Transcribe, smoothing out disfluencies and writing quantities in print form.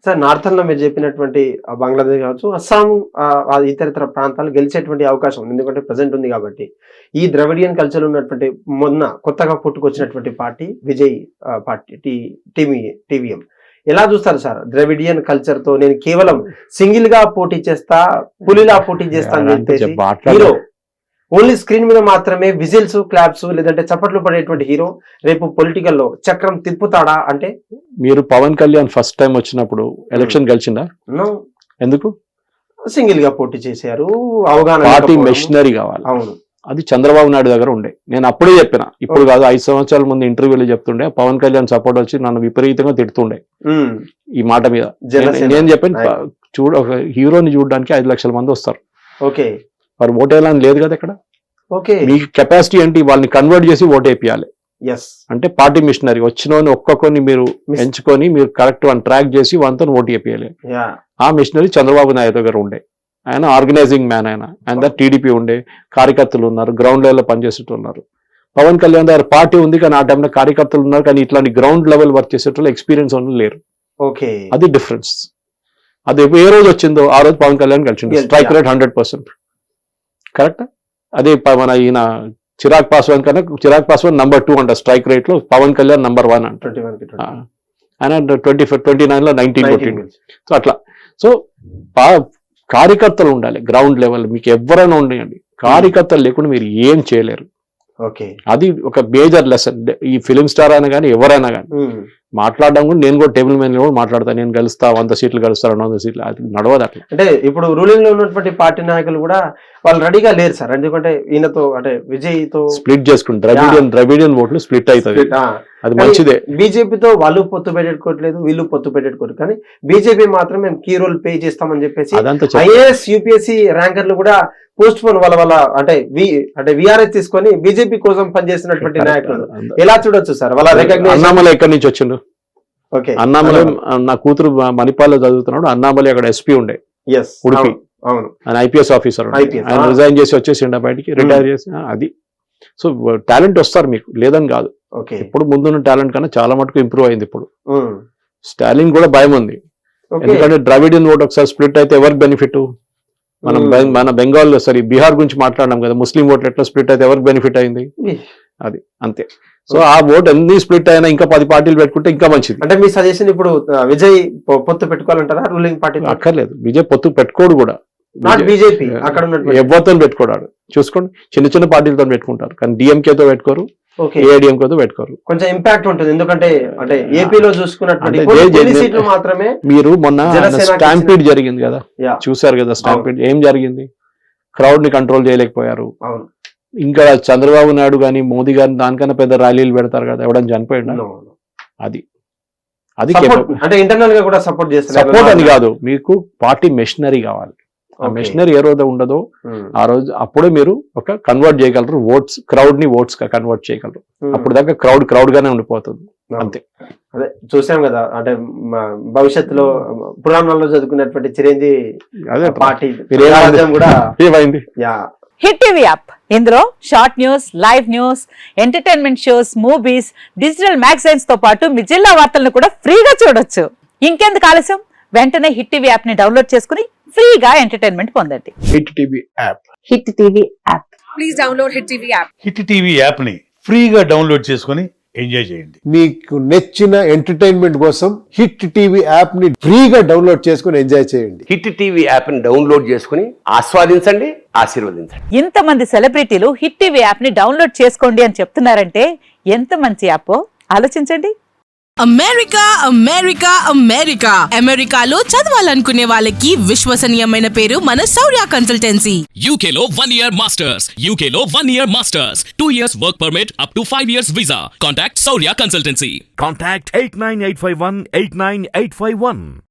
Sir northern లో మీరు చెప్పినటువంటి బంగ్లాదేశ్ కావచ్చు, అస్సాం, ఇతర ప్రాంతాలు గెలిచేటువంటి అవకాశం ఉంది. ఎందుకంటే ప్రజెంట్ ఉంది కాబట్టి. ఈ ద్రవిడియన్ కల్చర్ ఉన్నటువంటి మొన్న కొత్తగా పుట్టుకొచ్చినటువంటి పార్టీ విజయ్ పార్టీ టీవీఎం ఎలా చూస్తారు సార్? ద్రవిడియన్ కల్చర్ తో నేను కేవలం సింగిల్ గా పోటీ చేస్తా, పులిలా పోటీ చేస్తా అని చెప్పేసి హీరో ఓన్లీ స్క్రీన్ మీద మాత్రమే విజిల్స్, క్లాప్స్ లేదంటే చప్పట్లు పడేటువంటి హీరో రేపు పొలిటికల్ లో చక్రం తిప్పుతాడా? అంటే మీరు పవన్ కళ్యాణ్ ఫస్ట్ టైం వచ్చినప్పుడు ఎలక్షన్ గెలిచిందా? ఎందుకు? సింగిల్ గా పోటీ చేశారు. అవగాహన పార్టీ మెషినరీ కావాలి. అవును, అది చంద్రబాబు నాయుడు దగ్గర ఉండే. నేను అప్పుడే చెప్పిన, ఇప్పుడు కాదు, 5 సంవత్సరాల ముందు ఇంటర్వ్యూలో చెప్తుండే. పవన్ కళ్యాణ్ సపోర్ట్ వచ్చి నన్ను విపరీతంగా తిడుతుండే ఈ మాట మీద. నేను చెప్పాను, ఒక హీరోని చూడడానికి 5 లక్షల మంది వస్తారు. ఓకే, మరి ఓటేయాలని లేదు కదా ఇక్కడ. ఓకే, మీకు కెపాసిటీ ఏంటి? వాళ్ళని కన్వర్ట్ చేసి ఓటేపియాలి. అంటే పార్టీ మిషనరీ వచ్చిన ఒక్కొక్కరిని మీరు ఎంచుకొని మీరు కరెక్ట్ వన్ ట్రాక్ చేసి వాళ్ళతో ఓటు వేపియాలి. ఆ మిషనరీ చంద్రబాబు నాయుడు దగ్గర ఉండే. ఆయన ఆర్గనైజింగ్ మ్యాన్. ఆయన టీడీపీ ఉండే, కార్యకర్తలు ఉన్నారు, గ్రౌండ్ లెవెల్లో పనిచేసేటోళ్ళు ఉన్నారు. పవన్ కళ్యాణ్ దగ్గర పార్టీ ఉంది కానీ ఆ టైంలో కార్యకర్తలు ఉన్నారు, కానీ ఇట్లాంటి గ్రౌండ్ లెవెల్ వర్క్ చేసేటోళ్ళు ఎక్స్పీరియన్స్ ఉన్న లేరు. ఓకే, అది డిఫరెన్స్. అది ఏ రోజు వచ్చిందో ఆ రోజు పవన్ కళ్యాణ్ కలిసింది. Strike rate 100%. కరెక్ట్. అదే మన ఈయన చిరాగ్ పాస్వాన్ కన్నా చిరాగ్ పాస్వాన్ నంబర్ 2 అంట స్ట్రైక్ రేట్ లో, పవన్ కళ్యాణ్ నంబర్ 1 అంట. ఆయన 29 లో 19 కొట్టిండు. సో అట్లా. సో కార్యకర్తలు ఉండాలి గ్రౌండ్ లెవెల్. మీకు ఎవరైనా ఉండండి, కార్యకర్తలు లేకుండా మీరు ఏం చేయలేరు. ఓకే, అది ఒక మేజర్ లెసన్. ఈ ఫిలిం స్టార్ అయినా కానీ ఎవరైనా కానీ మాట్లాడడం కూడా, నేను కూడా టేబుల్ మీద కూడా మాట్లాడతాను. నేను గెలుస్తా 100 సీట్లు గెలుస్తారు, 200 సీట్లు, అది నడవదు అట్లా. అంటే ఇప్పుడు రూలింగ్ లో ఉన్నటువంటి పార్టీ నాయకులు కూడా వాళ్ళు రెడీగా లేరు సార్. ఎందుకంటే ఈయనతో అంటే విజయ్ తో స్ప్లిట్ చేసుకుంటారు. ద్రవిడియన్ ఓట్లు స్ప్లిట్ అవుతుంది. అది మంచిదే. బీజేపీతో వాళ్ళు పొత్తు పెట్టుకోవట్లేదు, వీళ్ళు పొత్తు పెట్టుకోవట్లేదు. కానీ బీజేపీ మాత్రం మేము కీ రోల్ ప్లే చేస్తామని చెప్పేసి ఐఏఎస్ యూపీఎస్సీ ర్యాంకర్లు కూడా పోస్ట్ పోన్ వాళ్ళ అంటే విఆర్ఎస్ తీసుకొని బీజేపీ కోసం పనిచేస్తున్నటువంటి నాయకులు ఎలా చూడొచ్చు సార్? వాళ్ళ రికగ్నైజేషన్. అన్నామలై ఎక్కడి నుంచి వచ్చిండు? ఓకే, అన్నామలై నా కూతురు మణిపాల్లో చదువుతున్నాడు. అన్నామలై అక్కడ ఎస్పీ ఉండే, ఉడిపి. అవును, ఆయన ఐపీఎస్ ఆఫీసర్. ఆయన రిజైన్ చేసి వచ్చేసిండ బయటికి, రిటైర్ చేసి. అది సో టాలెంట్ వస్తారు మీకు, లేదని కాదు. ఇప్పుడు ముందున్న టాలెంట్ కన్నా చాలా మటుకు ఇంప్రూవ్ అయింది. ఇప్పుడు స్టాలిన్ కూడా భయం ఉంది. ఎందుకంటే ద్రవిడియన్ ఓట్ ఒకసారి స్ప్లిట్ అయితే ఎవరికి బెనిఫిట్? మన బెంగాల్ బీహార్ గురించి మాట్లాడడం కదా, ముస్లిం ఓట్లు ఎట్లా స్ప్లిట్ అయితే ఎవరికి బెనిఫిట్ అయింది? అది అంతే. సో ఆ ఓట్ ఎన్ని స్ప్లిట్ అయినా ఇంకా 10 పార్టీలు పెట్టుకుంటే ఇంకా మంచిది. అంటే మీ సజెషన్ ఇప్పుడు విజయ్ పొత్తు పెట్టుకోవాలంటారా రూలింగ్ పార్టీ? అక్కర్లేదు, విజయ్ పొత్తు పెట్టుకోడు కూడా. బీజేపీ అక్కడ ఎవరితో పెట్టుకోడాడు చూసుకోండి. చిన్న పార్టీలతో పెట్టుకుంటారు, కానీ డిఎంకేతో పెట్టుకోరు, ఏఐడిఎంకేతో పెట్టుకోరు. కొంచెం ఇంపాక్ట్ ఉంటుంది. ఎందుకంటే అంటే ఏపీలో చూసుకున్నట్టు మాత్రమే. మీరు మొన్న స్టాంపీడ్ జరిగింది కదా, చూసారు కదా స్టాంపీడ్. ఏం జరిగింది? క్రౌడ్ ని కంట్రోల్ చేయలేకపోయారు. ఇంకా చంద్రబాబు నాయుడు గాని మోదీ గాని దానికన్నా పెద్ద ర్యాలీలు పెడతారు కదా, ఎవడని చనిపోయాడు. అది అంటే ఇంటర్నల్ గా కూడా సపోర్ట్ చేస్తారు. సపోర్ట్ అని కాదు, మీకు పార్టీ మెషినరీ కావాలి. ఆ మెషినరీ ఏ రోజు ఉండదో ఆ రోజు అప్పుడే మీరు ఒక కన్వర్ట్ చేయగలరు. ఓట్స్, క్రౌడ్ ని ఓట్స్ గా కన్వర్ట్ చేయగలరు. అప్పుడు దాకా క్రౌడ్ గానే ఉండిపోతుంది. అంతే. అదే చూసాం కదా, అంటే భవిష్యత్తులో పురాణాల్లో చదువుకున్నటువంటి చిరంజీవి పార్టీ కూడా ఏమైంది. హిట్ టీవీ యాప్, ఇందులో short news, live news, entertainment shows, movies, digital magazines తో పాటు మీ జిల్లా వార్తలను కూడా ఫ్రీగా చూడొచ్చు. ఇంకెందుకు ఆలస్యం? వెంటనే హిట్ టీవీ యాప్ ని డౌన్లోడ్ చేసుకుని ఫ్రీగా ఎంటర్టైన్మెంట్ పొందండి. Hit TV app. Hit TV app. Please download Hit TV app. Hit TV app ని ఫ్రీగా డౌన్లోడ్ చేసుకుని ఎంజాయ్ చేయండి. మీకు నచ్చిన ఎంటర్టైన్మెంట్ కోసం హిట్ టీవీ యాప్ ని ఫ్రీగా డౌన్లోడ్ చేసుకుని ఎంజాయ్ చేయండి. హిట్ టీవీ యాప్ ని డౌన్లోడ్ చేసుకుని ఆస్వాదించండి, ఆశీర్వదించండి. ఇంతమంది సెలబ్రిటీలు హిట్ టీవీ యాప్ ని డౌన్లోడ్ చేసుకోండి అని చెప్తున్నారంటే ఎంత మంచి యాప్ ఆలోచించండి. అమెరికా అమెరికా అమెరికా అమెరికాలో చదవాలనుకునే వాళ్ళకి విశ్వసనీయమైన పేరు మన శౌర్య కన్సల్టెన్సీ. UK లో 1 year masters, UK లో 1 year masters, 2 years work permit up to 5 years visa. Contact Saurya Consultancy. Contact 89851 89851.